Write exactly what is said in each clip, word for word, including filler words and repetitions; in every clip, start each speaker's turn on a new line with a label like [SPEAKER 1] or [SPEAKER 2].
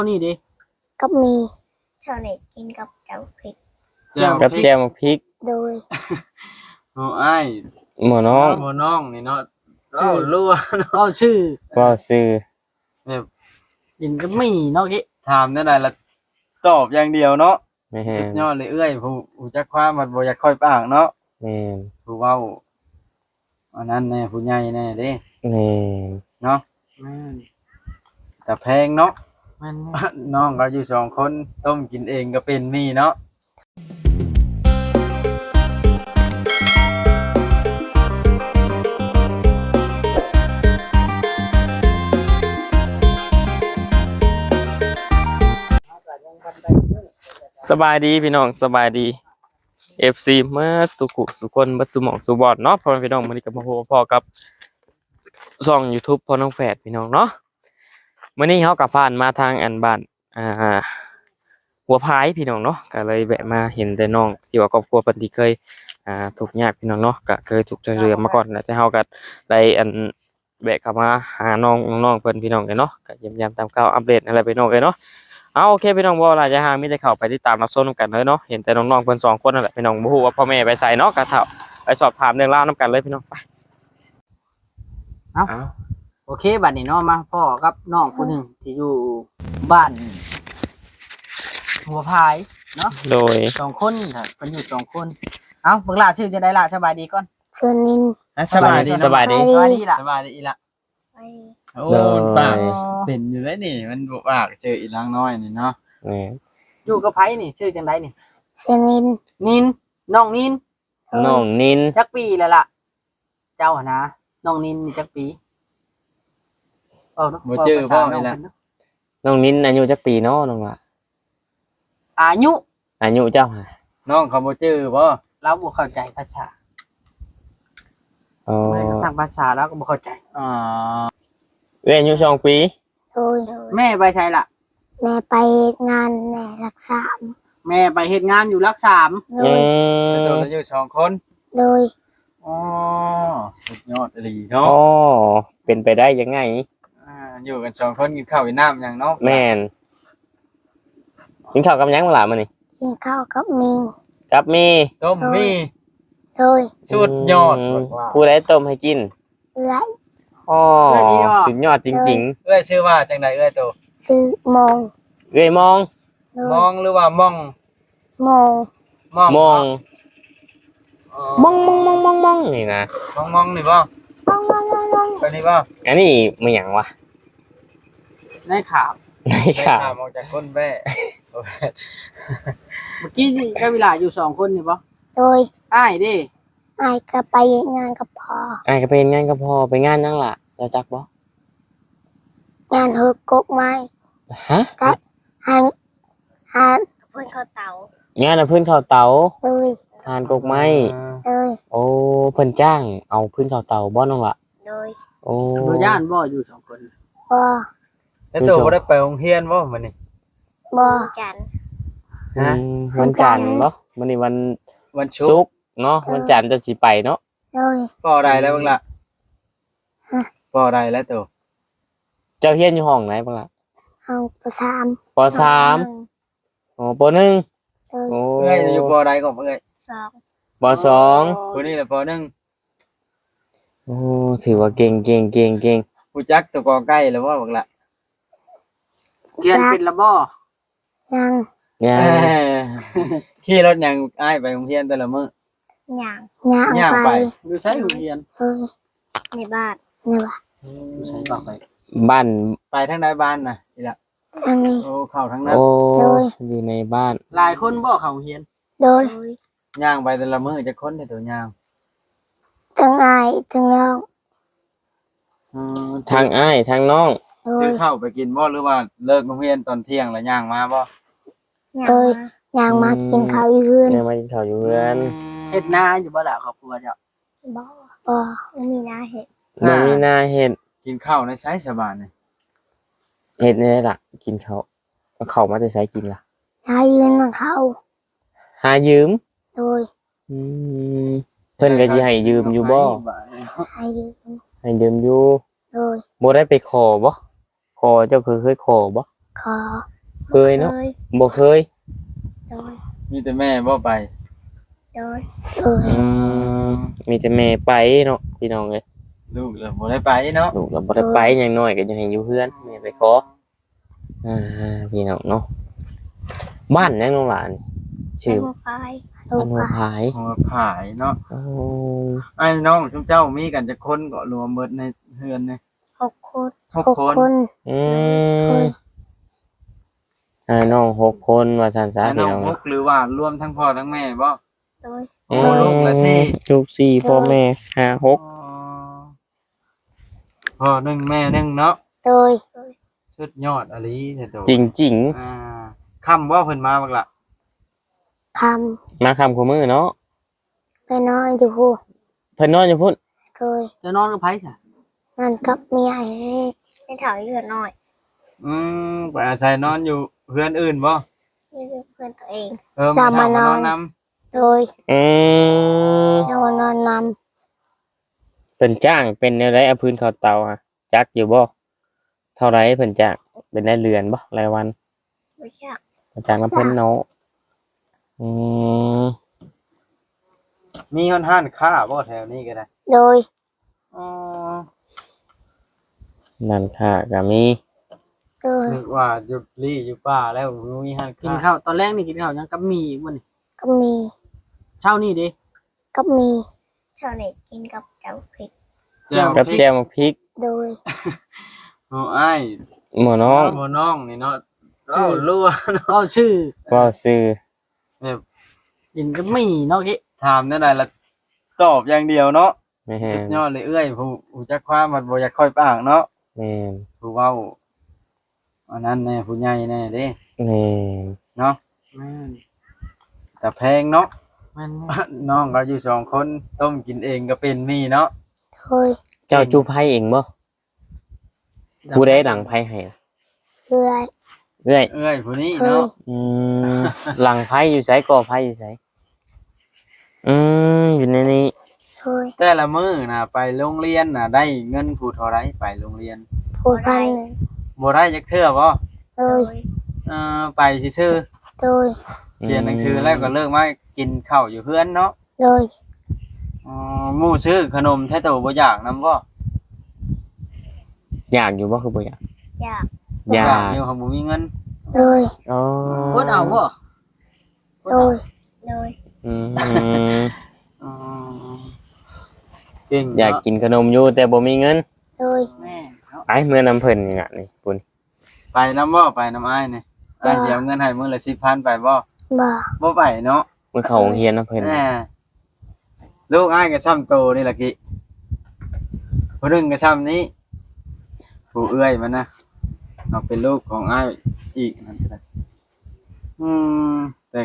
[SPEAKER 1] นี่ดิ
[SPEAKER 2] ก็มีชาวเน็ตกินกับเจ้าพริก
[SPEAKER 3] กับแจมพริก
[SPEAKER 2] โดย
[SPEAKER 1] โอ้อ้าย
[SPEAKER 3] หมอน้อง
[SPEAKER 1] หมอน้องนี่เนาะชื่อรั่วเนาะชื่อ
[SPEAKER 3] ก็ซื้อ
[SPEAKER 1] แบบกินก็ไม่เนาะกี้ถามได้ละตอบอย่างเดียวเนาะสุดยอดเลยเอ้ยผู้ผู้จักความมันบ่อยากค่อยปากเนาะ
[SPEAKER 3] แม่น
[SPEAKER 1] ผู้เว้าอันนั้นแน่ผู้ใหญ่แน่เด้
[SPEAKER 3] แม่น
[SPEAKER 1] เนาะแม่นแต่แพงเนาะแม่นน้องก็อยู่สองคนต้มกินเองก็เป็นมีเนาะ
[SPEAKER 3] สบายดีพี่น้องสบายดี เอฟ ซี เมื่อสุขุสุคนบัดสุหมองสุบอดเนาะพ่อพี่น้องมื้อนี้ก็มาพบพ่อกับช่อง YouTube พ่อน้องแฝดพี่น้องเนาะมื้อนี้เฮากับฟ้านมาทางอันบ้านอ่าหัวพายพี่น้องเนาะก็เลยแวะมาเห็นแต่น้องที่ว่าครอบครัวเพิ่นที่เคยอ่าทุกข์ยากพี่น้องเนาะก็เคยทุกข์ช่วยเหลือมาก่อนแต่เฮาก็ได้อันแวะเข้ามาหาน้องน้องเพิ่นพี่น้องกันเนาะก็เยี่ยมยามตามข่าวอัปเดตอะไรพี่น้องเอ้ยเนาะเอาโอเคพี่น้องบ่ล่ะจะหามีแต่เข้าไปติดตามรับชมกันเลยเนาะเห็นแต่น้องๆเพิ่นสองคนนั่นแหละพี่น้องบ่ฮู้ว่าพ่อแม่ไปไสเนาะก็เฒ่าไปสอบถามเรื่องราวนํกันเลยพี่น้องไป
[SPEAKER 1] เอ้าโอเคบัดนี้เนาะมาพ่อกับน้องผู้นึงที่อยู่บ้านหัวพายเนาะ
[SPEAKER 3] โดย
[SPEAKER 1] สองคนค่ะเพิ่นอยู่สองคนเอ้าบักหล่าชื่อจะได้ล่ะสบายดีก่อน
[SPEAKER 2] เชิญนิน
[SPEAKER 1] สบายดี
[SPEAKER 3] สบายดี
[SPEAKER 1] สบายดีล่ะสบายดีอีล่ะโอ้ปากเป็นอยู่แล้วนี่มันบ่ปากเจออีหลังน้อยนี่เนาะ
[SPEAKER 3] แหม
[SPEAKER 1] อยู่กับไผนี่ชื่อจังได๋นี่
[SPEAKER 2] เชิญนิน
[SPEAKER 1] นินน้องนิน
[SPEAKER 3] น้องนิน
[SPEAKER 1] จักปีแล้วล่ะเจ้าหั่นนะน้องนินนี่จักปีเอ้าเนาะบ่เจอบ่นี่ล่ะ
[SPEAKER 3] น้องนินอายุจักปีเนาะน้องล่ะ
[SPEAKER 1] อายุ
[SPEAKER 3] อายุเจ้าฮะ
[SPEAKER 1] น้องเขาบ่เจอบ่เราบ่เข้าใจภาษา
[SPEAKER 3] อ๋อ
[SPEAKER 1] ทางภาษาแล้วก็บ่เข้าใจอ๋อ
[SPEAKER 3] เอ้ยอายุสองปี
[SPEAKER 2] โดย
[SPEAKER 1] แม่ไปไสล่ะ
[SPEAKER 2] แม่ไปงานแม่รักษา
[SPEAKER 1] แม่ไปเฮ็ดงานอยู่รักสาม
[SPEAKER 3] อื
[SPEAKER 1] มแล้วตัวอยู่สองคน
[SPEAKER 2] โดย
[SPEAKER 1] อ๋อสุดยอดอีหลีเนาะ
[SPEAKER 3] อ๋อเป็นไปได้ยังไง
[SPEAKER 1] อ่าอยู่กันสองคนกินข้าวกินน้ำหยังเนาะ
[SPEAKER 3] แม่นกินข้าวกับหยังบ่ล่ะมื้อนี้
[SPEAKER 2] กินข้าวกับมี
[SPEAKER 3] กับมี
[SPEAKER 1] ต้มมี
[SPEAKER 2] โดย
[SPEAKER 1] สุดยอด
[SPEAKER 3] ผู้ใดต้มให้กิน
[SPEAKER 2] เอื้อย
[SPEAKER 3] อ๋อสุดยอดจริง
[SPEAKER 1] ๆเอ้ยชื่อว่าจังได๋เอ้ยโต
[SPEAKER 2] ชื่อมอง
[SPEAKER 3] เอ้ยมอง
[SPEAKER 1] มองหรือว่ามอง
[SPEAKER 2] มอง
[SPEAKER 3] มองมองมองมองมองมองมองนี่นะ
[SPEAKER 1] มองมองนี่บ่
[SPEAKER 2] มองมองมองมอง
[SPEAKER 1] ไปนี่บ่
[SPEAKER 3] อันนี้มันหยังวะ
[SPEAKER 1] ในข่าว
[SPEAKER 3] ในข่าว
[SPEAKER 1] ออกจากคนแม่เมื่อกี้นี่ก็เวลาอยู่สองคนนี่บ่
[SPEAKER 2] โดย
[SPEAKER 1] อ้ายดิ
[SPEAKER 2] อ้ายก็ไปงานกับพ่อ
[SPEAKER 3] อ้ายก็ไปงานกับพ่อไปงานยังล่ะแล้วจักบ่
[SPEAKER 2] งานเฮกกไม้
[SPEAKER 3] ฮะ
[SPEAKER 2] กับหานหานเพิ่นเข้าเตาง
[SPEAKER 3] านพื้นข้าวเตา
[SPEAKER 2] เอ้ย
[SPEAKER 3] หานกกไม้
[SPEAKER 2] เอ้ย
[SPEAKER 3] โอ้เพิ่นจ้างเอาพื้นข้าวเตาบ่น้องล่ะ
[SPEAKER 2] โดย
[SPEAKER 3] โอ้
[SPEAKER 1] บ่ย่านบ่อยู่สองคน
[SPEAKER 2] บ่
[SPEAKER 1] แล้วตัวบ่ได้ไปโรงเรียนบ่มื้อนี้
[SPEAKER 2] บ่จันทร์
[SPEAKER 3] ฮะวันจันทร์บ่มื้อนี้วัน
[SPEAKER 1] วัน
[SPEAKER 3] ศุกร์เนาะวันจันทร์จะสิไปเนาะ
[SPEAKER 2] โดย
[SPEAKER 1] ปอได้แล้วบังล่ะฮะปอได้แล้วตัว
[SPEAKER 3] เจ้าเรียนอยู่ห้องไหนบังล่ะ
[SPEAKER 2] ห้องป.สาม
[SPEAKER 3] ป.สามโอ้ป.หนึ่ง
[SPEAKER 2] โอ้
[SPEAKER 1] เอ้ยอยู่ปอใดก่อนเอ้ย
[SPEAKER 2] สอง
[SPEAKER 3] ป.สอง
[SPEAKER 1] ผู้นี้แหละป.หนึ่ง
[SPEAKER 3] โอ้ถือว่าเก่งเก่งเก่งเก่ง
[SPEAKER 1] ผู้จักตัวกอใกล้แล้วว่าบักละเรียนเป็นละบ่
[SPEAKER 2] ยัง
[SPEAKER 3] ยัง
[SPEAKER 1] ขี่รถยังอ้ายไปโรงเรียนแต่ละมื้อ
[SPEAKER 2] ยังยัง
[SPEAKER 1] ยังไปอยู่ไสโรงเรียน
[SPEAKER 2] เฮ้ยในบ้านในบ้าน
[SPEAKER 1] อยู่ไสบอกไป
[SPEAKER 3] บ้าน
[SPEAKER 1] ไปทางใดบ้านน่ะนี่ล่ะ
[SPEAKER 2] ทางนี้
[SPEAKER 1] โอ้เข้าทางนั้น
[SPEAKER 3] โอ้อยู่ในบ้าน
[SPEAKER 1] หลายคนบ่เข้าโรงเรียน
[SPEAKER 2] โดย
[SPEAKER 1] ย่างไปแต่ละมื้อจักคนแต่ตัวย่าง
[SPEAKER 2] ทั้งอ้ายทั้งน้อง
[SPEAKER 3] ทางอ้ายทางน้อง
[SPEAKER 1] ซื้อข้าวไปกินบ่หรือว่าเลิกโรงเรียนตอนเที่ยงแล้วย่างมาบ่
[SPEAKER 2] เอ้ยย่างมากินข้าวอยู่เฮือน
[SPEAKER 3] ย่างมากินข้าวอยู่เฮือน
[SPEAKER 1] เฮ็ดนาอยู่บ่ล่ะครอบครัวเจ้า
[SPEAKER 2] บ่บ่บ่มีนาเฮ็ด
[SPEAKER 3] บ่มีนาเฮ็ด
[SPEAKER 1] กินข้าวในไสสบายนี่
[SPEAKER 3] เฮ็ดได้ล่ะกินข้าวเอาข้าวมาแต่ไสกินล่ะ
[SPEAKER 2] หายืมมาเข้า
[SPEAKER 3] หายืม
[SPEAKER 2] โดย
[SPEAKER 3] อืมเพิ่นก็สิให้ยืมอยู่บ่
[SPEAKER 2] ให้ยืม
[SPEAKER 3] ให้ยืมอยู่
[SPEAKER 2] โดย
[SPEAKER 3] บ่ได้ไปขอบ่ขอเจ้าคือเคยขอบ่
[SPEAKER 2] ขอ
[SPEAKER 3] เคยเนาะ
[SPEAKER 2] โดย
[SPEAKER 3] บ่เคย
[SPEAKER 2] โดย
[SPEAKER 4] มีแต่แม่บ่ไป
[SPEAKER 2] โดยโดย
[SPEAKER 3] อืมมีแต่แม่ไปเนาะพี่น้องเอ้ย
[SPEAKER 4] ลูกเลยบ่ได้ไปเนาะ
[SPEAKER 3] ลูกเราบ่ได้ไปอย่างน้อยก็ยังให้อยู่เฮือนแม่ไปขออ่าพี่น้องเนาะบ้านยังน้องหลานชื่อ
[SPEAKER 2] โดยพายโด
[SPEAKER 3] บ้าย นหัว
[SPEAKER 2] พาย
[SPEAKER 3] ผาย
[SPEAKER 4] หัวผายเนาะ
[SPEAKER 3] โอ้
[SPEAKER 4] ไอ้น้องชุมเจ้ามีกันจะคนก็รวมเบิดในเฮือนนี่
[SPEAKER 2] หกคน
[SPEAKER 4] หก
[SPEAKER 2] หก
[SPEAKER 4] คน
[SPEAKER 2] คน
[SPEAKER 3] อืมอ่าน้องหกคนว่าซั่นซะ
[SPEAKER 4] ไอ้
[SPEAKER 3] พี่
[SPEAKER 4] น้อง
[SPEAKER 3] น้อง
[SPEAKER 4] หกหรือว่ารวมทั้งพ่อทั้งแม่บ่
[SPEAKER 2] โดย
[SPEAKER 4] โอ้ลูกละสี่
[SPEAKER 3] ลูกสี่พ่อแม่ห้าหก
[SPEAKER 4] อ๋อพ่อหนึ่งแม่หนึ่งเนาะ
[SPEAKER 2] โดย
[SPEAKER 4] สุดยอดอลีเด้อโต
[SPEAKER 3] จริง
[SPEAKER 4] อ่าคำว่าเพิ่นมาบักล่ะ
[SPEAKER 2] ท
[SPEAKER 3] ๆ มาคำคู่มือเนาะ
[SPEAKER 2] ำไปนอนอยู่หู
[SPEAKER 3] เพิ่นนอนอยู่พุ่น
[SPEAKER 2] โดย
[SPEAKER 1] จะนอนกับไผซะ
[SPEAKER 2] นอนกับเมียให้ถอยเลือดหน่อย
[SPEAKER 4] อืมไปอาศัยนอนอยู่เพื่อนอื่นบ่
[SPEAKER 2] นี่คือเพื่อนตัวเอง
[SPEAKER 4] เออมาทำมานอนน
[SPEAKER 2] โดย
[SPEAKER 3] อืม
[SPEAKER 2] นอนนอนน
[SPEAKER 3] เพิ่นจ้างเป็นแนวใดเอาพื้นเข้าเตาฮะจักอยู่บ่เท่าไรเพิ่นจ้างเป็นได้เรือนบ่รายวัน
[SPEAKER 2] ำไม่อยาก
[SPEAKER 3] จ้างน้ำเพิ่นเนาะอืม
[SPEAKER 4] ำมีห้อนห้านค้าบ่แถวนี้ก็ได้
[SPEAKER 2] โดย
[SPEAKER 4] อ๋อ
[SPEAKER 3] นั่นค่ะก็มี
[SPEAKER 2] โดย
[SPEAKER 4] นึกว่าอยู่ลี่อยู่ป่าแล้วมีห้าน
[SPEAKER 1] กิน
[SPEAKER 4] ค้า
[SPEAKER 1] ข้าวตอนแรกนี่กินข้าวยังกับหมี่บ่นี่
[SPEAKER 2] ก็มี
[SPEAKER 1] เช้านี่เด้
[SPEAKER 2] ก็มีชาวเน็ตกินกับเจ้าพริก
[SPEAKER 4] แจ่ว
[SPEAKER 3] กับ
[SPEAKER 4] พริก
[SPEAKER 3] แจ่วหมกพริก
[SPEAKER 2] โดย
[SPEAKER 4] โอ้อ้าย
[SPEAKER 3] หมู่น้อง
[SPEAKER 4] หมู่น้องนี่เนาะเอ้ารั่ว
[SPEAKER 1] ก็ชื่อ
[SPEAKER 3] เว้าซื่อ
[SPEAKER 4] แบบ
[SPEAKER 1] กินกับหมี่เนาะกิ
[SPEAKER 4] ถามได้ไรละตอบอย่างเดียวเนาะ
[SPEAKER 3] แม่
[SPEAKER 4] สุด
[SPEAKER 3] น
[SPEAKER 4] ยอดเลยเอ้ยผู้ผู้จักความมันบ่อยากค่อยปากเนาะ
[SPEAKER 3] แม่น
[SPEAKER 4] ผู้เว้าอันนั้นแน่ผู้ใหญ่แน่เด้
[SPEAKER 3] แม่น
[SPEAKER 4] เนาะ
[SPEAKER 1] แม่น
[SPEAKER 4] แต่แพงเนาะ
[SPEAKER 1] แม่น
[SPEAKER 4] น้องก็อยู่สองคนต้มกินเองก็เป็นมีเนาะ
[SPEAKER 2] โดย
[SPEAKER 3] เจ้าจูไผเองบ่ผู้ใดหลังไผให้ล่ะ
[SPEAKER 2] เพื่อย
[SPEAKER 3] เอ้อย
[SPEAKER 4] เอ้ยผู้นี้เนาะ
[SPEAKER 3] อืมหลังไผอยู่ไสก่อไผอยู่ไสอืมอยู่ในนี้
[SPEAKER 2] โดย
[SPEAKER 4] แต่ละมื้อน่ะไปโรงเรียนน่ะได้เงินผู้เท่าไรไปโรงเรียน
[SPEAKER 2] ผูกพันหนึ่ง
[SPEAKER 4] บ่ได้จักเทื่อบ่
[SPEAKER 2] โดโดยย
[SPEAKER 4] เออไปซื่อ
[SPEAKER 2] โดย
[SPEAKER 4] ๆเขียนหนังสือแล้วก็เลิกมากินข้าวอยู่เพื่อนเนาะ
[SPEAKER 2] โดย
[SPEAKER 4] อ๋อหมู่ซื้อขนมแท้โตบ่อยากนำบ่
[SPEAKER 3] อยากอยู่บ่คือบ่อยาก
[SPEAKER 2] อยาก
[SPEAKER 3] อยาก
[SPEAKER 4] อยู่เขาบ่มีเงิน
[SPEAKER 2] โดย
[SPEAKER 3] อ๋อ
[SPEAKER 1] อดเอาบ่
[SPEAKER 2] โดย โดย
[SPEAKER 3] อืม
[SPEAKER 4] อ๋อเก่ง
[SPEAKER 3] อยาก
[SPEAKER 4] เนะ
[SPEAKER 3] กินขนมอยู่แต่บ่มีเงิน
[SPEAKER 2] โดย
[SPEAKER 1] แม่เนาะ
[SPEAKER 3] ไอ้เมื่อนำเพิ่นนี่น่ะนี่ปุ่น
[SPEAKER 4] ไปนํบ่ไปนํอ้ายนี่อ้ายสิเอาเงินให้มื้อละสิบพันไปบ่
[SPEAKER 2] บ่
[SPEAKER 4] บ่ไปเนาะ
[SPEAKER 3] เมื่อเข้าโรงเรียนนำเพิ่น
[SPEAKER 4] แหน่ลูกอ้ายก็ซ้ำโตนี่ล่ะกิผู้หนึงก็ซ้ำนี้ผู้เอื้อยมันนะเอาเป็นลูกของอ้ายอีกนั่นก็ได้อืมแต่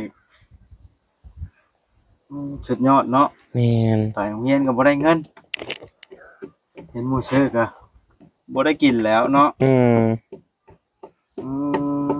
[SPEAKER 4] อืมสุดยอดเนาะ
[SPEAKER 3] แม่น
[SPEAKER 4] ไปโรงเรียนก็บ่ได้เงิน เห็นหมู่ซื้อก็บ่ได้กินแล้วเนาะ
[SPEAKER 3] อืม
[SPEAKER 4] อืม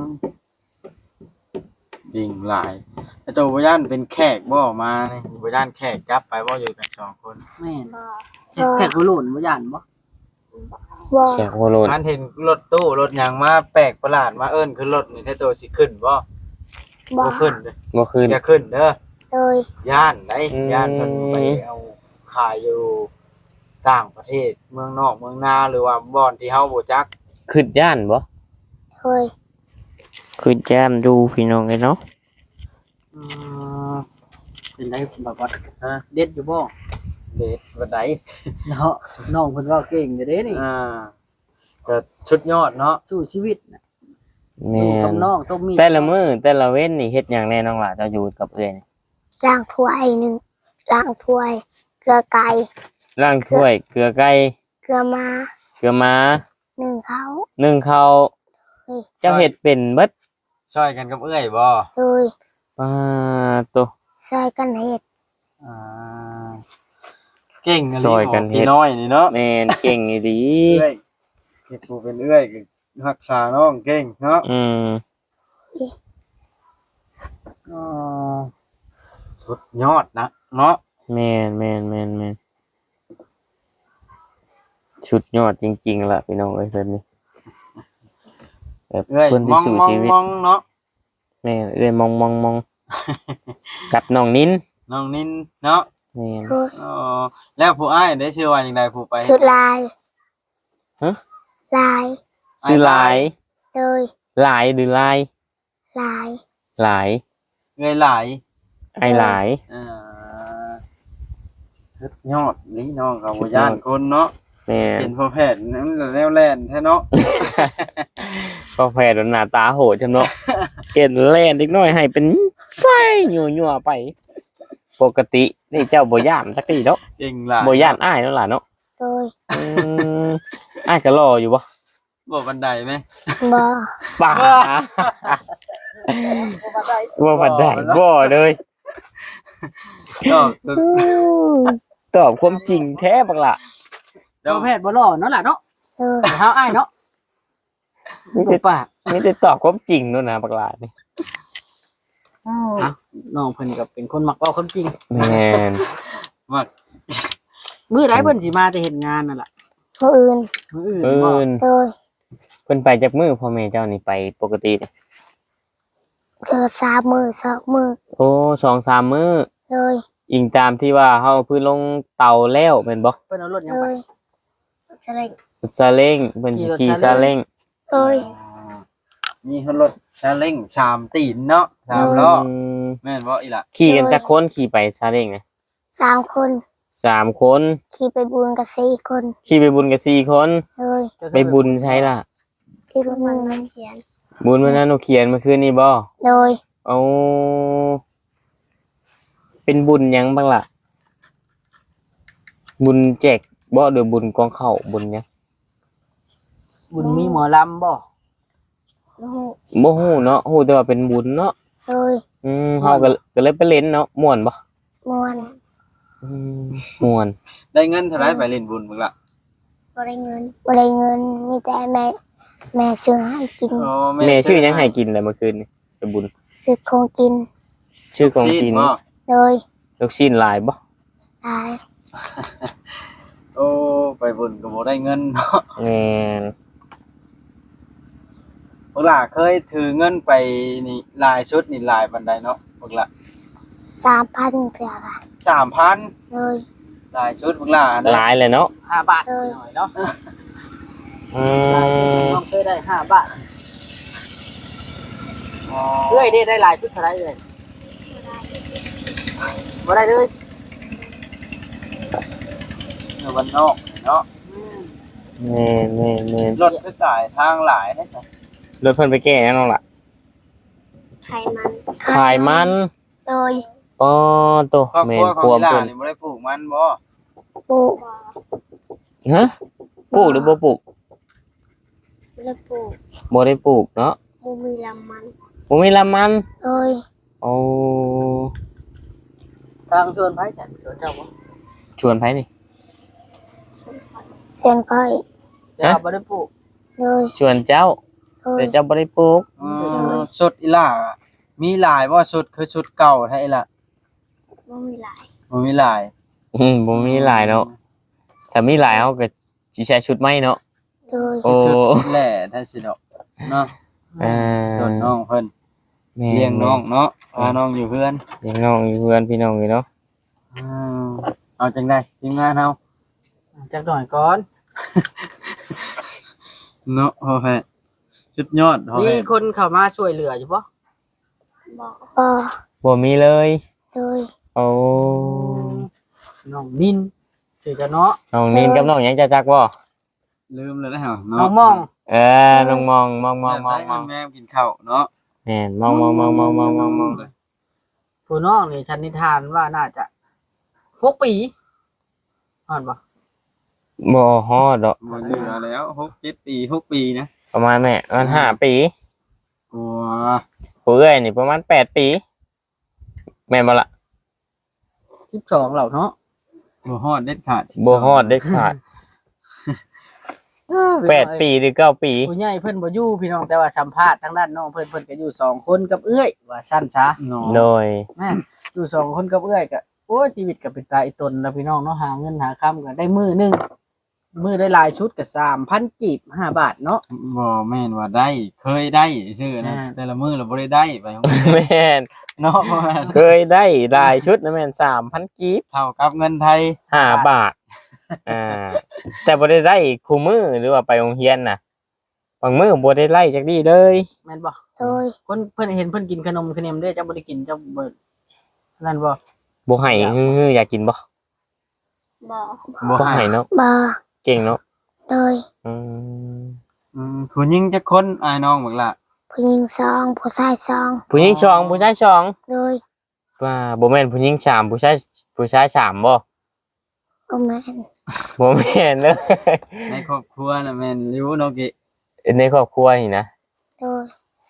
[SPEAKER 4] ดิ่งหลายไอ้ตัวบ่ย่านเป็นแขกบ่มานี่บ่ย่านแขกจับไปบ่อยู่กันสองคน
[SPEAKER 1] แม่น
[SPEAKER 2] บ่
[SPEAKER 1] แขกแขกบ่หล่นบ่ย่านบ่
[SPEAKER 2] บ่
[SPEAKER 3] แขกโคโลน
[SPEAKER 4] อันเห็นรถตู้รถหยังมาแปลกประหลาดมาเอิ้นขึ้นรถนี่ไอ้ตัวสิขึ้นบ่
[SPEAKER 2] บ่
[SPEAKER 4] บ่ขึ้นเด้อ
[SPEAKER 3] บ่คืน
[SPEAKER 4] อย่าขึ้นเด้อ
[SPEAKER 2] โดย
[SPEAKER 4] ย่านได
[SPEAKER 3] อืม
[SPEAKER 4] ย่านเพิ่นไปเอาขายอยู่ต่างประเทศเมืองนอกเมืองนาหรือว่าบ่อนที่เฮาบ่จัก
[SPEAKER 3] คืนย่านบ่
[SPEAKER 2] โดย
[SPEAKER 3] คืนย่านดูพี่น้องไอ้เนาะ
[SPEAKER 1] อืมเป็นได้แบบว่าฮะเด็ดอยู่บ่
[SPEAKER 4] เด็ดบ่ได้
[SPEAKER 1] เนาะน้องเพิ่นเว้าเก่งอยู่เด้นี่
[SPEAKER 4] อ่าก็ชุดยอดเนาะ
[SPEAKER 1] สู้ชีวิตน่ะอ
[SPEAKER 3] แม่
[SPEAKER 1] ยู่กับ
[SPEAKER 3] น
[SPEAKER 1] น้องต้องมี
[SPEAKER 3] แต่ละมื้อแต่ละเว้นนี่เฮ็ดหยังแน่น้องหล่ะเจ้าอยู่กับเอ้อยนี่
[SPEAKER 2] ล้างถ้วยหนึ่งล้างถ้วย เกลือไก่
[SPEAKER 3] ล้างถ้วยเกลือไก่
[SPEAKER 2] เกลือมา
[SPEAKER 3] เกลือม้า
[SPEAKER 2] หนึ่งเขา
[SPEAKER 3] นึ่งข้าว
[SPEAKER 2] เฮ้ย
[SPEAKER 3] เจ้าเฮ็ดเป็นเบิด
[SPEAKER 4] ช่วยกันกับเอื้อยบ่
[SPEAKER 2] โดย
[SPEAKER 3] ปาตัว
[SPEAKER 2] ใส่กันเห็ด
[SPEAKER 4] อ่าเก่งะ
[SPEAKER 3] ซอยกันเฮ็ด
[SPEAKER 4] พี่น้อยนี่เนาะ
[SPEAKER 3] แม่นเก่งอีหลี
[SPEAKER 4] เอื้อยเฮ็ดผู้เป็นเอื้อยก็รักษาน้องเก่งเนาะ
[SPEAKER 3] อืม
[SPEAKER 4] อ๋อสุดยอดนะเนาะ
[SPEAKER 3] แม่นแม่นแม่นแม่นชุดยอดจริงๆล่ะพี่น้องเอ้ยแบบนี้แบบ
[SPEAKER 4] เอ้ย
[SPEAKER 3] คน
[SPEAKER 4] ม
[SPEAKER 3] ที่
[SPEAKER 4] อง
[SPEAKER 3] สู้
[SPEAKER 4] มอง
[SPEAKER 3] ชีวิต
[SPEAKER 4] มองเนาะ
[SPEAKER 3] แม่เอ้ยมองมองมอง กับน้องนิ้น
[SPEAKER 4] น้องนินเนาะ
[SPEAKER 3] แม่น
[SPEAKER 2] โดย
[SPEAKER 4] อ๋อแล้วผู้อ้ายได้ชื่อว่าจังไดผู้ไป
[SPEAKER 2] สุดลาย
[SPEAKER 3] ฮะ
[SPEAKER 2] ลาย
[SPEAKER 3] ชื่อหลาย
[SPEAKER 2] โดย
[SPEAKER 3] หลายหรือลาย
[SPEAKER 2] ลาย
[SPEAKER 3] หลาย
[SPEAKER 4] เงยหลาย
[SPEAKER 3] ไอหลาย
[SPEAKER 4] อ่าสุดยอดนี่น้องก็บ่ย่านคนเนาะ
[SPEAKER 3] แม่น
[SPEAKER 4] เป็นพ่อแพทย์นั่นแนวแล่นแท้เนาะ
[SPEAKER 3] ก็แพ้หน้าตาโหดจำเนาะ เห็นแล่นเล็กน้อยให้เป็นไส้ยั่วๆไป ปกตินี่เจ้าบ่ย่านสักทีเนาะ
[SPEAKER 4] เก่งหลาย
[SPEAKER 3] บ่ย่านอ้ายเนาะล่ะเนาะ
[SPEAKER 2] โดย
[SPEAKER 3] อืมอ้ายก็รออยู่บ่
[SPEAKER 4] บ่บันไดไหม
[SPEAKER 2] บ่
[SPEAKER 3] ป่าว่าบัดได้บ่เลย
[SPEAKER 4] ก็สุด
[SPEAKER 3] ตอบความจริงแท้บักล่ะ
[SPEAKER 4] เจ้า
[SPEAKER 1] เจ้าแพทย์บ่หล่อเนาะล่ะเนาะ
[SPEAKER 2] โดย
[SPEAKER 1] เฮาอ้ายเนาะ
[SPEAKER 3] มี
[SPEAKER 1] ถู
[SPEAKER 3] แต่
[SPEAKER 1] กปาก
[SPEAKER 3] มีแต่ตอบความจริงเนาะนะบักล่ะนี่
[SPEAKER 1] น้องเพิ่นก็เป็นคนมักเว้าความจริง
[SPEAKER 3] แม่น
[SPEAKER 4] มัก
[SPEAKER 1] มื้อใดเพิ่นสิมาจะเฮ็ดงานนั่นล่ะ
[SPEAKER 2] ผู้อื่น
[SPEAKER 1] มื้ออื่น
[SPEAKER 3] เอิ
[SPEAKER 1] บ่
[SPEAKER 3] ้น
[SPEAKER 2] โดย
[SPEAKER 3] เพิ่นไปจากมือพ่อแม่เจ้านี่ไปปกตินี่
[SPEAKER 2] เกิดสามมือสองมือ
[SPEAKER 3] โอ้สองสามมื้อ
[SPEAKER 2] โดย
[SPEAKER 3] อิงตามที่ว่าเฮาพื้นลงเตาแล้วแม่นบ่
[SPEAKER 1] เพิ่นเอารถหยั
[SPEAKER 2] โด
[SPEAKER 1] งไป
[SPEAKER 2] ยจะเล่น
[SPEAKER 3] ซาเล้งเพิ่นสิขี่ซาเล้ง
[SPEAKER 2] โดย
[SPEAKER 4] มีรถซาเล้งสามตีนเนาะสามล้อ
[SPEAKER 3] อืม
[SPEAKER 4] แม่นบ่อีหล่ะ
[SPEAKER 3] ขี่กันจักคนขี่ไปซาเล้งนะ
[SPEAKER 2] สามคน
[SPEAKER 3] สามคน
[SPEAKER 2] ขี่ไปบุญกับสี่คน
[SPEAKER 3] ขี่ไปบุญกับสี่คน
[SPEAKER 2] โดย
[SPEAKER 3] ไปบุญใช่ล่ะ
[SPEAKER 2] ที่บุญมันเขียน
[SPEAKER 3] บุญวันนั้นหนูเขียนเมื่อคืนนี้บ่
[SPEAKER 2] โดย
[SPEAKER 3] เอาเป็นบุญหยังบ้างล่ะ บุญแจกบ่หรือบุญกองเข้าวบุญหยัง
[SPEAKER 1] บุญมีหมอลำบ่
[SPEAKER 2] ลูก
[SPEAKER 3] บ่ฮู้เนาะฮู้แต่ว่าเป็นบุญเนาะ
[SPEAKER 2] โดย
[SPEAKER 3] อืมเฮาก็ก็เลยไปเล่นเนาะม่วนบ่
[SPEAKER 2] มวน
[SPEAKER 3] อืมม่วน
[SPEAKER 4] ได้เงินเท่าไหร่ไปเล่นบุญมึงล่ะ
[SPEAKER 2] บ่ได้เงินบ่ได้เงินมีแต่แม่แม่ซื้อให้กิน
[SPEAKER 4] โอ้
[SPEAKER 3] แม่ชื่อหยังให้กินเลยเมื่อคืนนี่ไปบุญ
[SPEAKER 2] ซื้อของกิน
[SPEAKER 3] ชื่อของกิน
[SPEAKER 4] บ่
[SPEAKER 2] โดย
[SPEAKER 3] ลูกชิ้นหลายบ่
[SPEAKER 2] ลาย
[SPEAKER 4] โอ้ไปบุญก็บ่ได้เงินเนาะ
[SPEAKER 3] แม่น
[SPEAKER 4] พวกล่ะเคยถือเงินไปนี่ลายชุดนี่ลายบันไดเนาะพวกล่ะ
[SPEAKER 2] สามพันเกือบอะ
[SPEAKER 4] สามพัน
[SPEAKER 2] โดย
[SPEAKER 4] ลายชุดพวกล่ะ
[SPEAKER 3] หลายเลยเนาะ
[SPEAKER 1] ห้าบาท
[SPEAKER 2] เออ
[SPEAKER 1] หน่อยเนาะ
[SPEAKER 3] อืม
[SPEAKER 1] น้องเคยได้ห้าบาทเอ้ยได้ได้หลายชุดเท่าไหร่เอ้ยบ่ได้เลย
[SPEAKER 4] เงินวันนอกเนาะ
[SPEAKER 3] แม่นแม่นแม่น
[SPEAKER 4] รถคือตายทางหลายได้ซะ
[SPEAKER 3] รถเพิ่นไปแก้หยังน้องล่ะ
[SPEAKER 2] ไข่มัน
[SPEAKER 3] ขายมัน
[SPEAKER 2] โดย
[SPEAKER 3] อ๋อโต
[SPEAKER 4] ครอบ
[SPEAKER 3] แม่
[SPEAKER 4] ครัวน ของ
[SPEAKER 3] ควม
[SPEAKER 4] อีหล่า
[SPEAKER 3] เพิ่น
[SPEAKER 4] นี่บ่ได้ปลูกมันบ่
[SPEAKER 2] ปลูก
[SPEAKER 3] ฮะปลูกหรือบ่ปลูก
[SPEAKER 2] แล้วปลูก
[SPEAKER 3] บ่ได้ปลูกเนาะ
[SPEAKER 2] บ่มีลำมัน
[SPEAKER 3] บ่มีละมัน
[SPEAKER 2] โดย
[SPEAKER 3] โอ้
[SPEAKER 1] ทางชวนไผจัดชวนเจ้าบ่
[SPEAKER 3] ชวนไผนี่
[SPEAKER 2] เส้นก้อย
[SPEAKER 1] เจ้าบ่ได้ปลูก
[SPEAKER 2] โดย
[SPEAKER 3] ชวนเจ้า
[SPEAKER 2] โดย
[SPEAKER 3] แต่เจ้าบ่ได้ปลูก
[SPEAKER 4] อืมชุดอีหล่ามีหลายบ่ชุดคือชุดเก่าแท้อีหล่ะ
[SPEAKER 2] บ่มีหลาย
[SPEAKER 4] บ่มีหลาย
[SPEAKER 3] อืมบ่มีหลายเนาะถ้ามีหลายเฮาก็สิใช้ชุดใหม่เนาะ
[SPEAKER 2] โดย
[SPEAKER 3] โอ้
[SPEAKER 4] ชุดแหล่แท้สิดอกเนาะ
[SPEAKER 3] เอ่อ
[SPEAKER 4] โดนน้องเพิ่น
[SPEAKER 3] แม่
[SPEAKER 4] เลี้ยงน้องเนาะพาน้องอยู่เพื่อน
[SPEAKER 3] เลี้ยงน้องอยู่เพื่อนพี่น้องอยู่เนาะ
[SPEAKER 4] อืมเอาจังได๋ทีมงานเฮา
[SPEAKER 1] จักหน่อยก่อน
[SPEAKER 4] เนาะพ่อแพทย์สุดยอดพ่อ
[SPEAKER 1] มี
[SPEAKER 4] แพทย์
[SPEAKER 1] คนเข้ามาช่วยเหลืออยู่บ่
[SPEAKER 2] บ่บ่
[SPEAKER 3] บ่มีเลย
[SPEAKER 2] โดย
[SPEAKER 3] โอ้
[SPEAKER 1] น้องนินชื่อจะเนาะ
[SPEAKER 3] น้องนินกับน้องหยังจะจักบ่
[SPEAKER 4] ลืมเลยนะฮะ
[SPEAKER 1] น้องมอง
[SPEAKER 3] เออน้องมองมองมองมองมอง
[SPEAKER 4] แม่กินข้าวเนาะ
[SPEAKER 3] แม่นมองมองมองมองมองมองมอง
[SPEAKER 1] ผู้น้องนี่ชันนิทานว่าน่าจะหกปีอ่านบ่
[SPEAKER 3] บ่ฮอดดอก
[SPEAKER 4] มันเหลือแล้วหก เจ็ดปีหกปีนะ
[SPEAKER 3] ประมาณแม่ประมาณห้าปี
[SPEAKER 4] โอ้
[SPEAKER 3] ผู้เอ้ยนี่ประมาณแปดปี แม่นบ่ล่ะ
[SPEAKER 1] สิบสองแล้วเนาะ
[SPEAKER 4] บ่ฮอดเด็ดขาด
[SPEAKER 3] บ่ฮอดเด็ดขาดแปดปีหรือเก้าปี
[SPEAKER 1] ผู้ใหญ่เพิ่นบ่อยู่พี่น้องแต่ว่าสัมภาษณ์ทางด้านน้องเพิ่นเพิ่นก็อยู่สองคนกับเอื้อยว่าซั่นซะ
[SPEAKER 4] เนาะ
[SPEAKER 3] โดย
[SPEAKER 1] แม่นอยู่สองคนกับเอื้อยก็โอ้ยชีวิตก็เป็นตาอีตนแล้วพี่น้องเนาะหาเงินหาค่ำก็ได้มื้อหนึงมือได้หลายชุดก็สามพันกีบห้าบาทเนาะ
[SPEAKER 4] บ่แม่นว่าได้เคยได้ซื่อนะ
[SPEAKER 1] อ่า
[SPEAKER 4] แต่ละมื้อเราบ่ได้ได้ไป
[SPEAKER 3] แม่น
[SPEAKER 4] เนาะบ่แม่น
[SPEAKER 3] เคยได้หลายชุดนะแม่นสามพันกีบ
[SPEAKER 4] เท่ากับเงินไทย
[SPEAKER 3] ห้าบาทอ่าแต่บ่ได้ได้คู่มือหรือว่าไปโรงเรียนน่ะบางมื้อบ่ได้ไล่จักดีเลย
[SPEAKER 1] แม่นบ่
[SPEAKER 2] โดย
[SPEAKER 1] คนเพิ่นเห็นเพิ่นกินขนมขนมเด้อเจ้าบ่ได้กินเจ้าบ่นั่นบ่
[SPEAKER 3] บ่ให้ฮือๆอยากกินบ่
[SPEAKER 2] บ่
[SPEAKER 4] บ่
[SPEAKER 3] บ่
[SPEAKER 4] ให้
[SPEAKER 3] ให้เนาะ
[SPEAKER 2] บ่
[SPEAKER 3] เก่งเนาะ
[SPEAKER 2] โดย
[SPEAKER 3] อืม
[SPEAKER 4] อืมผู้หญิงจักคนอ้ายน้องบักล่ะ
[SPEAKER 2] ผู้หญิงสองผู้ชายสอง
[SPEAKER 3] ผู้หญิงสองผู้ชายสอง
[SPEAKER 2] โดย
[SPEAKER 3] ว่าบ่แม่นผู้หญิงสามผู้ชายผู้ชายสามบ่
[SPEAKER 2] บ่แม่น
[SPEAKER 3] บ่แม่นเด้อ
[SPEAKER 4] ในครอบครัวน่ะแม่นอยู่เนาะกิ
[SPEAKER 3] ในครอบครัวนี่นะ
[SPEAKER 2] โดย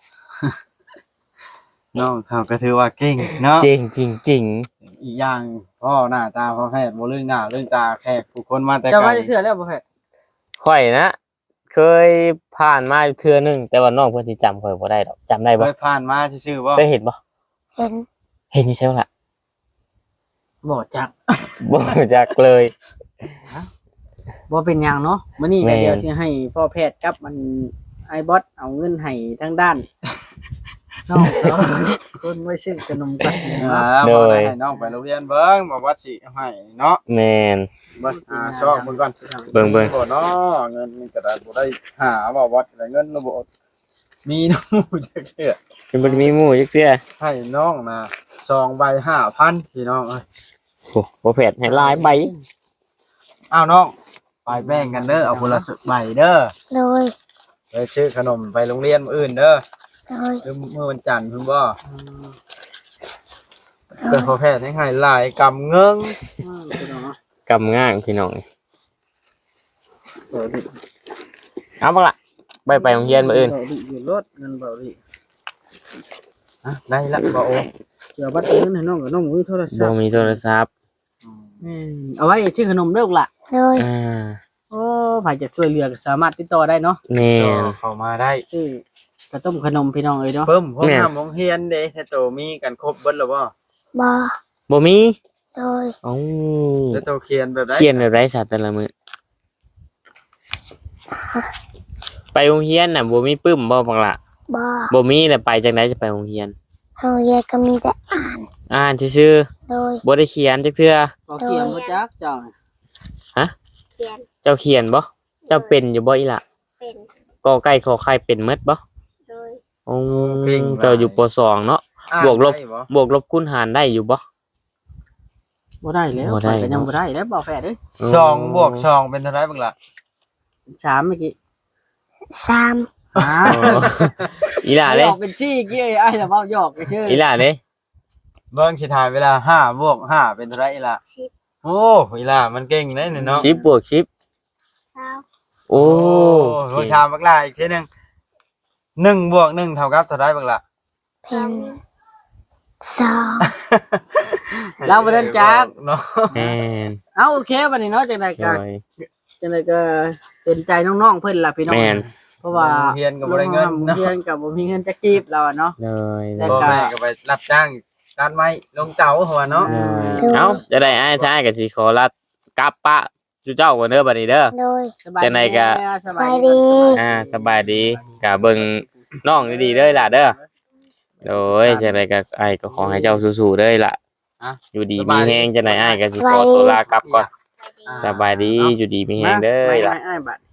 [SPEAKER 4] น้องเขาก็ถือว่าเก่งเนาะ
[SPEAKER 3] เก่งจริง
[SPEAKER 4] อีกอย่างพ่อหน้าตาพ่อแพทย์บ่เรื่องหน้าเรื่องตาแขกผู้คนมาแต่
[SPEAKER 1] เจ้า
[SPEAKER 4] ไกล
[SPEAKER 1] ว่าจะเทื่อแล้วบ่แพ้
[SPEAKER 3] ๆข่อยนะ เคยผ่านมาอยู่เทื่อหนึงแต่ว่าน้องเพิ่นสิจำข่อยบ่ได้ดอกจำได้
[SPEAKER 4] เค
[SPEAKER 3] บ่
[SPEAKER 4] ยผ่านมาซื่อๆบ่
[SPEAKER 3] ได้เห็นบ่
[SPEAKER 2] เห็น
[SPEAKER 3] เห็นอยู่ใช่บ่ล่ะ
[SPEAKER 1] บ่จัก
[SPEAKER 3] บ่รู้จักเลย
[SPEAKER 1] บ่เป็นหยังเนาะมื้อนี้
[SPEAKER 3] แม่
[SPEAKER 1] ก็
[SPEAKER 3] น
[SPEAKER 1] เดี๋ยวสิให้พ่อแพทย์กับมันไอ้บอสเอาเงินให้ทางด้านน้องสองคนไว้ซื้อขนมกัน
[SPEAKER 4] อ่าบ่ได้ให้น้องไปโรงเรียนเบิ่งบ่ว่าสิให้เนาะ
[SPEAKER 3] แม่น
[SPEAKER 4] เบิ่งอ่าชอบเบิ่งก่อน
[SPEAKER 3] เบิ่งเบิ่ง
[SPEAKER 4] บ่เนาะเงินมันก็ได้บ่ได้หาบ่วัดแต่เงินระบบมีน้องจักเทื่อ
[SPEAKER 3] เป็นบ่ได้มีหมู่จักเทื่อ
[SPEAKER 4] ให้น้องนะสองใบห้าพันพี่น้องเอ้ย
[SPEAKER 3] โอ้บ่แผดให้หลายใบ
[SPEAKER 4] อ้าวน้องไปแบ่งกันเด้อเอาคนละใบเด้อ
[SPEAKER 2] โดย
[SPEAKER 4] ไปซื้อขนมไปโรงเรียนมื้ออื่นเด้อ
[SPEAKER 2] โดย
[SPEAKER 4] หรือมื้อวันจันทร์เพิ่นบ่เพิ่นพอแพทย์ให้ให้หลายกำเงิง
[SPEAKER 1] อืมพี่น้องเนาะ
[SPEAKER 3] กำง่างพี่น้อง
[SPEAKER 1] เบาดิ
[SPEAKER 3] เอาบักล่ะไปไปโรงเรียนมื้ออื่น
[SPEAKER 1] เบาดิอยู่รถเงินเบาดิ
[SPEAKER 4] อ่ะได้ละบ่โอ
[SPEAKER 1] เดี๋ยวบัตรเงินให้น้องกับน้องมือโทรศั
[SPEAKER 3] บ่
[SPEAKER 1] พท์
[SPEAKER 3] มีโทรศัพท์
[SPEAKER 1] อืมเอาไว้ชื่อขนมเด้อล่ะ
[SPEAKER 2] โดย
[SPEAKER 3] อ่า
[SPEAKER 1] โอ้ใครจะช่วยเหลือก็สามารถติดต่อได้เนาะ
[SPEAKER 3] แม่น
[SPEAKER 4] เข้ามาได้
[SPEAKER 1] ชื่อกระต้มขนมพี่น้องเอ้ยเนาะ
[SPEAKER 4] เพิ่มพวก
[SPEAKER 3] แม่
[SPEAKER 4] น้ำโรงเรียนเด้แต่โตมีกันครบเบิดแล้วบ่
[SPEAKER 2] บ่
[SPEAKER 3] บ่มี
[SPEAKER 2] โดย
[SPEAKER 3] เอ้า
[SPEAKER 4] แต่โตเขียนแบบใด
[SPEAKER 3] เขียนแบบไรสัตว์แต่ละมื้อไปโรงเรียนน่ะบ่มีปึ้มบ่บักล่ะ
[SPEAKER 2] บ่
[SPEAKER 3] บ่มีแล้วไปจังไดจะไปโรงเรียน
[SPEAKER 2] โรงเรียนก็มีแต่อ่าน
[SPEAKER 3] อ่านซื่อ
[SPEAKER 2] โดย
[SPEAKER 3] ๆบ่ได้เขียนจักเทื่อ
[SPEAKER 1] ก็เกี่ยมบ่จักเจ้า
[SPEAKER 2] เขียน
[SPEAKER 3] เจ้าเขียนบ่เจ้าเป็นอยู่บ่อีหล่ะ
[SPEAKER 2] เป็น
[SPEAKER 3] กอไก่ขอไข่เป็นหมดบ่
[SPEAKER 2] โดย
[SPEAKER 3] อ๋อเจ้าอยู่ปสองเนาะ
[SPEAKER 4] อ่าน
[SPEAKER 3] บวกลบ
[SPEAKER 4] ได้บ่
[SPEAKER 3] บวกลบคูณหารได้อยู่บ่
[SPEAKER 1] บ่ได้แล้ว
[SPEAKER 3] บ่ได้
[SPEAKER 1] ข้อยก็ยังบ่ได้แล้วบ่แฟดเด้ย
[SPEAKER 4] สองบวกสองเป็นเท่าไหร่บักล่ะ
[SPEAKER 1] สามเมื่อกี้
[SPEAKER 2] สาม
[SPEAKER 1] อ่า
[SPEAKER 3] อ๋ออีหล่า
[SPEAKER 1] ห
[SPEAKER 3] เด้
[SPEAKER 1] ยอกเป็นชี้กี้ไอ้ละเว้าหยอกชื่อ
[SPEAKER 3] อีหล่าเด้
[SPEAKER 4] เบิ่งสิถ่ายเวลาห้าบวกห้าเป็นเท่าไหร่อีล่ะ
[SPEAKER 2] สิบ
[SPEAKER 4] โอ้อีล่ะมันเก่งเด้นี่เนาะ
[SPEAKER 3] สิบบวกสิบ
[SPEAKER 2] เช้า
[SPEAKER 3] โอ้
[SPEAKER 4] โหถามบักล่ะอีกทีหนึงหนึ่งบวกหนึ่งเท่ากับเท่าไหร่บักล่ะ
[SPEAKER 2] เป็นสอง
[SPEAKER 1] เราบ่ได้จัก
[SPEAKER 4] เนาะ
[SPEAKER 3] แม่น
[SPEAKER 1] เอาโอเคบัดนี้เนาะจังได๋
[SPEAKER 3] โด
[SPEAKER 1] ก็
[SPEAKER 3] ย
[SPEAKER 1] จังได๋ก็เป็นใจน้องๆเพิ่นล่ะพี่น้อง
[SPEAKER 3] แม่น
[SPEAKER 1] เพราะว่า
[SPEAKER 4] เรียนก็บ่ได้เงินเนาะ
[SPEAKER 1] เรียนก็บ่มีเงินจักจีบเราอะเนาะ
[SPEAKER 3] โดย
[SPEAKER 1] แล้
[SPEAKER 4] พ่
[SPEAKER 1] ว
[SPEAKER 4] อแม่ก็ไปรับจ้างด้านไม้ลงเตาหัวเนาะ
[SPEAKER 3] โดยเอ้าจะได้อ้ายท้ายก็สิขอลากลับปะจุเจ้าก่อนเด้อบัดนี้เด้อ
[SPEAKER 2] โดย
[SPEAKER 1] สบาย
[SPEAKER 3] จังใดก็
[SPEAKER 1] ส
[SPEAKER 2] ส
[SPEAKER 1] บา
[SPEAKER 2] บาย ย
[SPEAKER 1] ดี
[SPEAKER 2] ดี
[SPEAKER 3] อ่าสบายดีก็เบิ่งน้องดีๆเด้อล่ะเด้อโดยจังไดก็อ้ายก็ขอให้เจ้าสู้ๆเด้อล่ะ
[SPEAKER 4] อ่ะ
[SPEAKER 3] อยู่ดีมีแฮงจังไดอ้ายก็สิขอตัวลากลับก่อนสบายดีอยู่ดีมีแฮงเด้อ
[SPEAKER 1] ไม่
[SPEAKER 3] ล่ะ
[SPEAKER 1] ไม่ไม่บัด